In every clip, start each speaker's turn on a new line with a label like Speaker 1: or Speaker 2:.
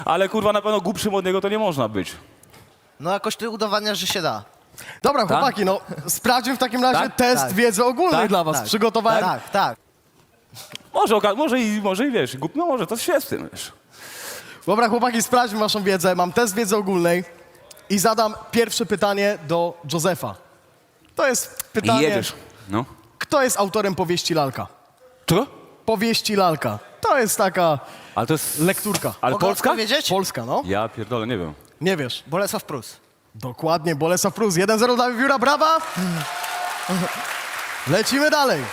Speaker 1: Ale kurwa na pewno głupszym od niego to nie można być.
Speaker 2: No jakoś ty udowadniasz, że się da.
Speaker 3: Dobra, chłopaki, no sprawdźmy w takim razie
Speaker 1: Tak?
Speaker 3: test
Speaker 2: Tak.
Speaker 3: wiedzy ogólnej
Speaker 1: Tak?
Speaker 3: dla was.
Speaker 2: Tak.
Speaker 3: Przygotowałem.
Speaker 2: Tak, tak.
Speaker 1: Może i wiesz, no może to się z tym, wiesz.
Speaker 3: Dobra, chłopaki, sprawdźmy waszą wiedzę. Mam test wiedzy ogólnej i zadam pierwsze pytanie do Józefa. To jest
Speaker 1: I
Speaker 3: pytanie,
Speaker 1: jedziesz. No.
Speaker 3: kto jest autorem powieści Lalka?
Speaker 1: Czego?
Speaker 3: Powieści Lalka. To jest taka
Speaker 1: Ale to jest...
Speaker 3: lekturka.
Speaker 1: Ale
Speaker 2: Mogę
Speaker 1: Polska?
Speaker 2: odpowiedzieć?
Speaker 3: Polska, no.
Speaker 1: Ja pierdolę, nie wiem.
Speaker 3: Nie wiesz.
Speaker 2: Bolesław Prus.
Speaker 3: Dokładnie, Bolesław Prus. 1-0 dla Wiewióra, brawa! Lecimy dalej.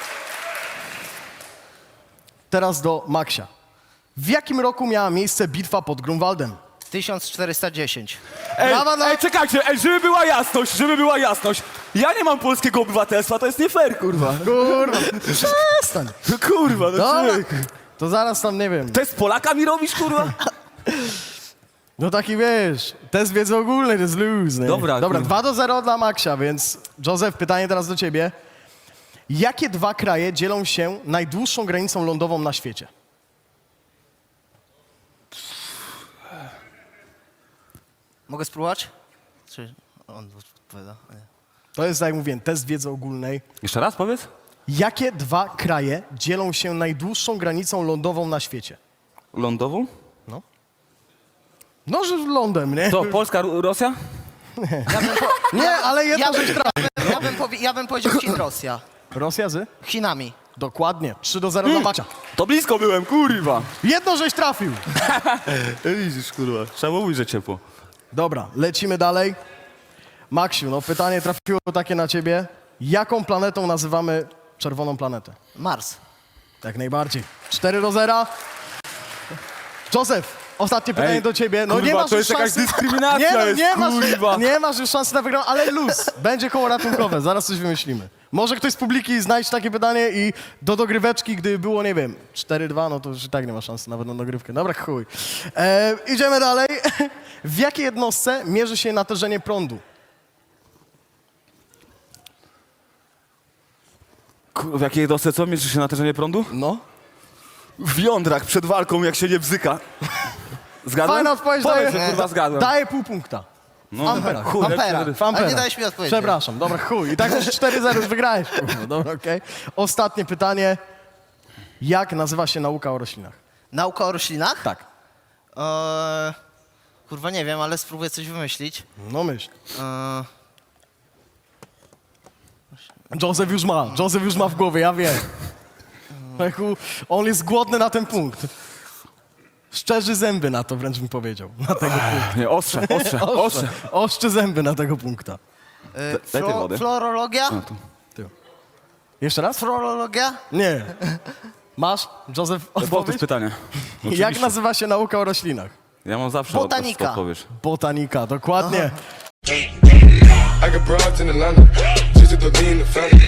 Speaker 3: Teraz do Maksia. W jakim roku miała miejsce bitwa pod Grunwaldem?
Speaker 2: 1410.
Speaker 3: Brawa dla...
Speaker 1: Czekajcie, żeby była jasność. Ja nie mam polskiego obywatelstwa, to jest nie fair, kurwa.
Speaker 3: Kurwa, przestań.
Speaker 1: Kurwa, no
Speaker 3: Dobra,
Speaker 1: człowiek.
Speaker 3: to zaraz tam, nie wiem.
Speaker 1: Test Polaka mi robisz, kurwa?
Speaker 3: No taki wiesz, test wiedzy ogólnej, to jest luz, nie?
Speaker 1: Dobra,
Speaker 3: Dobra,
Speaker 1: kurwa.
Speaker 3: 2-0 dla Maksia, więc Józef, pytanie teraz do ciebie. Jakie dwa kraje dzielą się najdłuższą granicą lądową na świecie?
Speaker 2: Mogę spróbować? Czy on odpowiada? Nie.
Speaker 3: To jest, tak jak mówiłem, test wiedzy ogólnej.
Speaker 1: Jeszcze raz powiedz.
Speaker 3: Jakie dwa kraje dzielą się najdłuższą granicą lądową na świecie?
Speaker 1: Lądową?
Speaker 3: No, że lądem, nie?
Speaker 1: To Polska, Rosja?
Speaker 3: Nie, ale jedno rzecz trafi.
Speaker 2: Ja bym powiedział Chin, Rosja.
Speaker 3: Rosja z?
Speaker 2: Chinami.
Speaker 3: Dokładnie. 3-0 dla Macia.
Speaker 1: To blisko byłem, kurwa.
Speaker 3: Jedno żeś trafił.
Speaker 1: Widzisz, kurwa. Trzeba mówić, że ciepło.
Speaker 3: Dobra, lecimy dalej. Maksiu, no pytanie trafiło takie na ciebie. Jaką planetą nazywamy czerwoną planetę?
Speaker 2: Mars.
Speaker 3: Jak najbardziej. 4-0. Józef, ostatnie pytanie
Speaker 1: Ej,
Speaker 3: do ciebie. No
Speaker 1: kurwa,
Speaker 3: nie masz
Speaker 1: to
Speaker 3: już
Speaker 1: jest jakaś
Speaker 3: szansy.
Speaker 1: dyskryminacja, kurwa.
Speaker 3: Nie masz już szansy na wygraną, ale luz. Będzie koło ratunkowe, zaraz coś wymyślimy. Może ktoś z publiki znajdzie takie pytanie i do dogryweczki, gdy było, nie wiem, 4-2, no to już i tak nie ma szansy nawet na dogrywkę. Dobra, chuj. Idziemy dalej. W jakiej jednostce mierzy się natężenie prądu?
Speaker 1: W jakiej jednostce co? Mierzy się natężenie prądu?
Speaker 3: No.
Speaker 1: W jądrach przed walką, jak się nie bzyka. Zgadłem?
Speaker 3: Fajna odpowiedź,
Speaker 1: Powiedz,
Speaker 3: daję,
Speaker 1: że kurwa zgadłem.
Speaker 3: daję pół punkta.
Speaker 1: No,
Speaker 3: amperach.
Speaker 1: chuj, jak
Speaker 2: Ampera.
Speaker 1: się-
Speaker 3: W amperach.
Speaker 2: Ale nie dałeś mi odpowiedzi.
Speaker 3: Przepraszam, dobra, chuj. I tak już 4-0 już wygrałeś. Kurwa, dobra, okej. Ostatnie pytanie. Jak nazywa się nauka o roślinach?
Speaker 2: Nauka o roślinach?
Speaker 3: Tak.
Speaker 2: Kurwa nie wiem, ale spróbuję coś wymyślić.
Speaker 3: No myśl.
Speaker 2: Eee,
Speaker 3: Józef już ma w głowie, ja wiem. Lechu, on jest głodny na ten punkt. Szczerzy zęby na to, wręcz bym powiedział. Na tego punktu.
Speaker 1: Nie, ostrze.
Speaker 3: Oszczy zęby na tego punkta.
Speaker 1: Daj tej wody.
Speaker 2: Florologia?
Speaker 3: Jeszcze raz?
Speaker 2: Florologia?
Speaker 3: Nie. Masz, Józef,
Speaker 1: Powtórz
Speaker 3: odpowiedź?
Speaker 1: pytanie.
Speaker 3: Jak nazywa się nauka o roślinach?
Speaker 1: Ja mam zawsze
Speaker 2: Botanika.
Speaker 1: odpowiedź.
Speaker 3: Botanika, dokładnie.
Speaker 4: I got broads in Atlanta, just to lean the family.